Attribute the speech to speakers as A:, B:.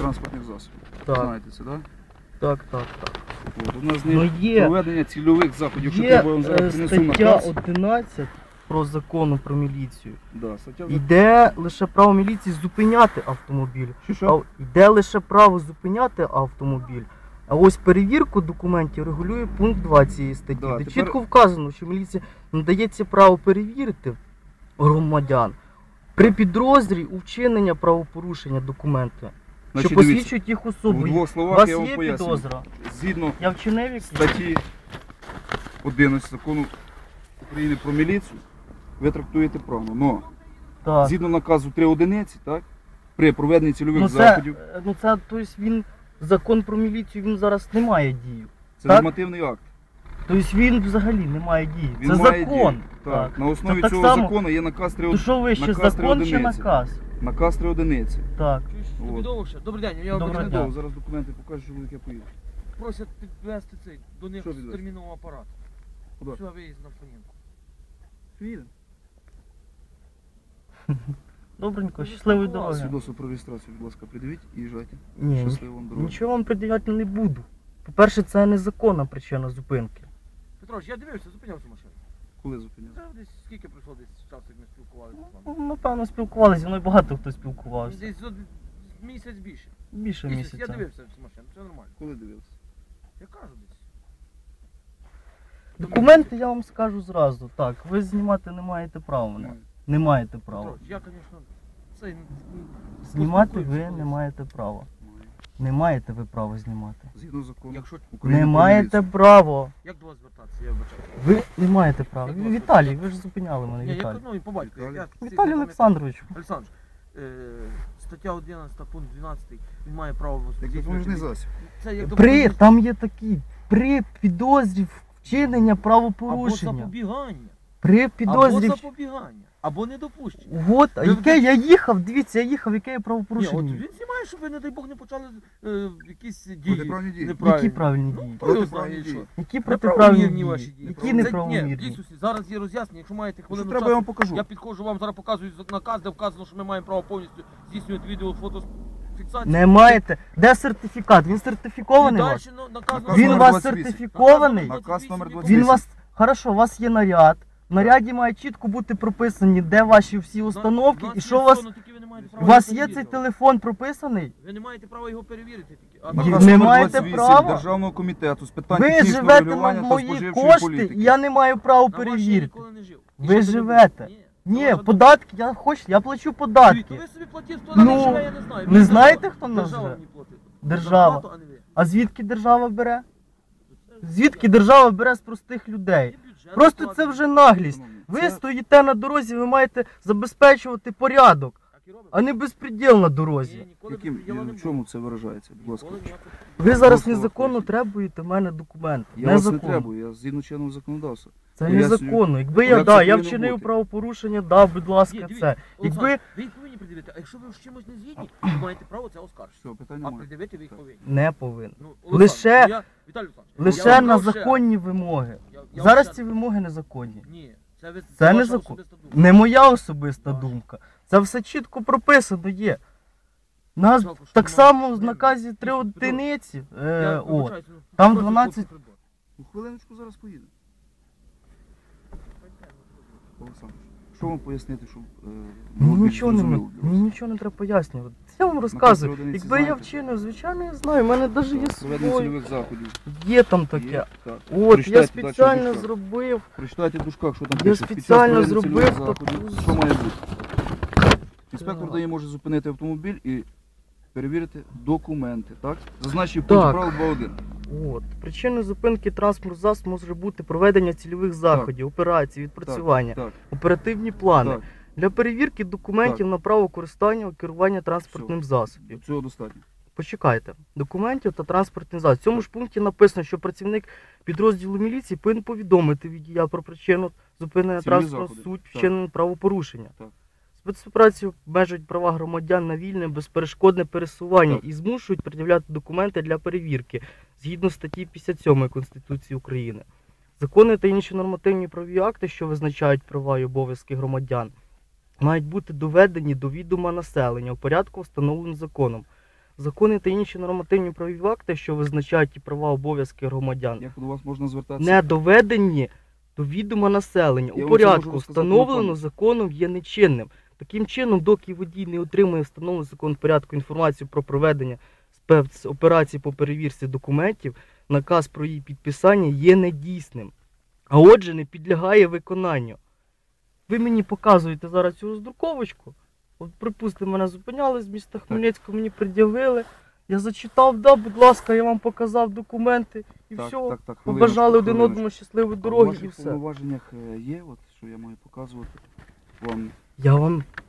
A: транспортних засобів.
B: Так.
A: Знаєте це, так?
B: Так.
A: От, у нас
B: Ну, є.
A: проведення цільових заходів. Що
B: Є
A: треба, я вам зараз принесу
B: стаття
A: наказ.
B: 11 про закону про міліцію.
A: Да, стаття...
B: Йде лише право міліції зупиняти автомобіль.
A: Що?
B: Йде лише право зупиняти автомобіль. А ось перевірку документів регулює пункт 2 цієї статті,
A: Да,
B: де
A: тепер...
B: чітко вказано, що міліція надається право перевірити громадян при підозрі у вчинення правопорушення документи,
A: Значить,
B: що посвідчують їх особу.
A: В двох
B: У
A: словах
B: вас
A: я вам
B: є
A: поясню.
B: підозра?
A: Згідно
B: Я вчинив якісь?
A: статті 11 закону України про міліцію, ви трактуєте правильно. Но
B: Так.
A: згідно наказу 3 одиниці, так, при проведенні цільових
B: Ну
A: заходів,
B: це, тобто він, закон про міліцію, він зараз не має дії.
A: це
B: так?
A: нормативний акт.
B: Тобто він взагалі не має дії.
A: Він
B: Це
A: має
B: закон.
A: дію. Так. На основі
B: так
A: цього
B: само-
A: закону є наказ 3
B: То що ви ще,
A: наказ 3
B: закон чи
A: одиниці.
B: наказ?
A: Наказ 3 одиниці.
B: Так.
A: От.
C: Тобі довго ще? Добрий день, я вам
B: Доброго
A: Не
B: дня.
A: довго, зараз документи покажу, що я поїду.
C: просять підвести цей до них
A: Що підвезти?
C: термінового апарату.
A: Куди?
C: Все, виїзд на Фонінку.
A: Їдемо.
B: Добренько, щасливої дороги.
A: Свідоцтво про реєстрацію, будь ласка, придивіть і їжджайте.
B: Ні,
A: Щасливо вам дороги.
B: нічого вам пред'являти не буду. По-перше, це незаконна причина зупинки.
C: Петрович, я дивився, зупинявся машину.
A: Коли зупиняли?
C: Це десь скільки пройшло десь часу, як ми спілкувалися з вами?
B: Ну, напевно, спілкувалися, зі мною багато хто спілкувався.
C: Десь місяць більше.
B: Більше
C: Я
B: місяця.
C: дивився цю машину, все нормально.
A: Коли дивилися?
C: Я кажу десь.
B: Документи я вам скажу зразу. Так, ви знімати не маєте права мене. Не маєте права.
C: Петрович, я, звісно, цей...
B: Знімати ви не маєте права. Не маєте ви права знімати.
A: Згідно закону
C: Якщо...
A: України
B: Не
A: про
B: маєте
A: міліцію.
B: права.
C: Як до вас звертатися, я вибачаю.
B: Ви не маєте права.
C: Як вас
B: Віталій, ви ж зупиняли мене,
C: Ні, я
B: Віталій.
C: ну, і по батьку.
B: Віталій Олександрович.
C: Олександр, стаття 11, пункт 12, він має право
A: Як допоміжний засіб.
C: Це як
B: Там є такі, при підозрі вчинення
C: або
B: правопорушення.
C: запобігання,
B: При
C: або
B: підозрі...
C: запобігання, або недопущення.
B: От, а
C: Ви-
B: яке я їхав, дивіться, яке я
C: Ні,
B: правопорушення.
C: от він знімає, щоб ви, не дай Бог, не почали якісь дії.
A: Протиправні дії.
B: Які правильні
C: Ну,
B: дії?
C: хто його
A: Протиправні
C: знає,
A: дії.
C: що?
B: Які
C: Неправомірні
B: протиправні дії?
C: ваші дії.
B: Які
C: Це-
B: неправомірні?
C: Ні, дійсно, зараз є роз'яснення, якщо маєте
A: Що
C: хвилину
A: треба, я вам
C: часу,
A: покажу.
C: я підходжу, вам зараз показую наказ, де вказано, що ми маємо право повністю здійснювати відео, фотофіксацію.
B: Не маєте. Де сертифікат? Він сертифікований у вас?
A: Наказ
B: Він у
A: номер
B: вас
A: 28.
B: сертифікований?
A: Наказ номер 28.
B: Він у вас... Хорошо, у вас є наряд. В наряді має чітко бути прописані, де ваші всі установки і що у вас... У вас є цей телефон прописаний?
C: Ви не маєте права його перевірити тільки. А
B: Ні,
A: Наказ
B: не
A: номер
B: маєте
A: 28
B: права.
A: Державного комітету з питань
B: Ви
A: технічного
B: живете на
A: регулювання та
B: мої
A: споживчої
B: кошти,
A: політики.
B: і я не маю права
C: на ваші я
B: перевірити.
C: ніколи не жив. І
B: Ви
C: ще не
B: живете.
C: буду.
B: Ні, податки, я плачу податки.
C: Ви собі платіть, хто
B: Ну,
C: на них живе, я не знаю.
B: ви
C: Ви
B: знаєте,
C: держава.
B: хто на нас
C: Держава
B: живе?
C: мені платить.
B: Держава.
C: Зарплату, а не ви.
B: А звідки держава бере? Звідки держава бере з простих людей?
C: Є бюджет,
B: Просто це
C: закладений.
B: вже наглість.
A: Шановні,
B: Ви
A: це-
B: стоїте на дорозі, ви маєте забезпечувати порядок,
C: Так і робимо.
B: а не безпреділ на
C: Ні,
B: дорозі.
C: ніколи
A: Яким,
C: безпреділу не
A: в
C: було.
A: чому це виражається? Будь ласка.
C: Ніколи ніякого.
B: Ви зараз
A: Просто
B: незаконно
A: виходить.
B: требуєте в мене документи.
A: Я вас не
B: Незаконно.
A: требую, я згідно чинного законодавства.
B: Це
A: Пояснюю.
B: незаконно. Якби
A: Як
B: я,
A: це
B: я
A: повинно
B: вчинив
A: бути?
B: правопорушення, будь ласка,
C: Ні, дивіться,
B: це.
C: Олександр,
B: Якби
C: ви їх повинні пред'явити, а якщо ви з чимось не згідні, ви маєте право це оскаржити.
A: Все, питань
C: А
A: немає.
C: пред'явити ви їх повинні.
B: не повинен.
C: Ну,
B: Лише-
C: Олександр, Віталій Олександрович, я
B: Лише
C: вам
B: на
C: кажу ще
B: законні вимоги.
C: Я
B: Зараз
C: вам
B: ці вимоги незаконні.
C: Ні, це ви
B: Це
C: ваша
B: незаконно.
C: особиста думка.
B: Не моя особиста
C: Ваша.
B: думка. Це все чітко прописано є. Нас
C: Жалко, що
B: так
C: немає
B: само в
C: времени.
B: наказі 3
C: Петро,
B: одиниці.
C: Я вибачаюсь, ну,
B: там
C: просто
B: 12
C: хлопці прибор.
A: Ну, хвилиночку зараз поїду. Олександр, що вам пояснити, щоб...
B: Мені
A: було більш
B: нічого не
A: зрозуміло для вас?
B: мені нічого не треба пояснювати. Я вам розказую.
A: Наказ 3 одиниці
B: Якби я
A: знаєте?
B: вчинив, звичайно, я знаю. У мене навіть є
A: Так, проведення
B: свій.
A: цільових заходів.
B: Є там таке.
A: Є, так.
B: От, я
A: Прочитайте далі в
B: спеціально
A: дужках.
B: зробив.
A: Прочитайте в дужках, що там
B: Я
A: пише. Під час
B: спеціально
A: проведення
B: зробив
A: цільових заходів,
B: таку-
A: що має бути. Інспектор
B: Так.
A: дає може зупинити автомобіль і перевірити документи, так? Зазначив пункт
B: Так.
A: правил 2.1.
B: От. Причиною зупинки транспортного засобу може бути проведення цільових заходів, операцій, відпрацювання,
A: Так,
B: оперативні плани.
A: так.
B: Для перевірки документів на право користування у керування транспортним засобом.
A: Цього достатньо.
B: Почекайте, документів та транспортний засіб. В цьому ж пункті написано, що працівник підрозділу міліції повинен повідомити водія про причину зупинення
A: Цільові
B: транспорту,
A: заходи.
B: суть
A: Так.
B: вчинення правопорушення.
A: Так.
B: Спецоперації обмежують права громадян на вільне, безперешкодне пересування
A: Так.
B: і змушують пред'являти документи для перевірки згідно статті 57 Конституції України. Закони та інші нормативні правові акти, що визначають права і обов'язки громадян, мають бути доведені до відома населення у порядку, встановленому законом. Закони та інші нормативні правові акти, що визначають і права обов'язки громадян,
A: Як до вас можна звертатися?
B: не доведені до відома населення
A: Я
B: у
A: вам це можу
B: порядку,
A: розказати
B: встановлено
A: на пам'ять.
B: законом, є нечинним. Таким чином, доки водій не отримує встановлену закон порядку інформацію про проведення спецоперації по перевірці документів, наказ про її підписання є недійсним, а отже не підлягає виконанню. Ви мені показуєте зараз цю роздруковочку. От, припустимо, мене зупиняли з міста Хмельницького, мені пред'явили. Я зачитав, да, будь ласка, я вам показав документи і все.
A: хвилиночку,
B: Побажали один
A: хвилиночку.
B: одному щасливої
A: А в
B: дороги
A: ваших
B: і все.
A: повноваженнях є, от, що я маю показувати вам?
B: Я вам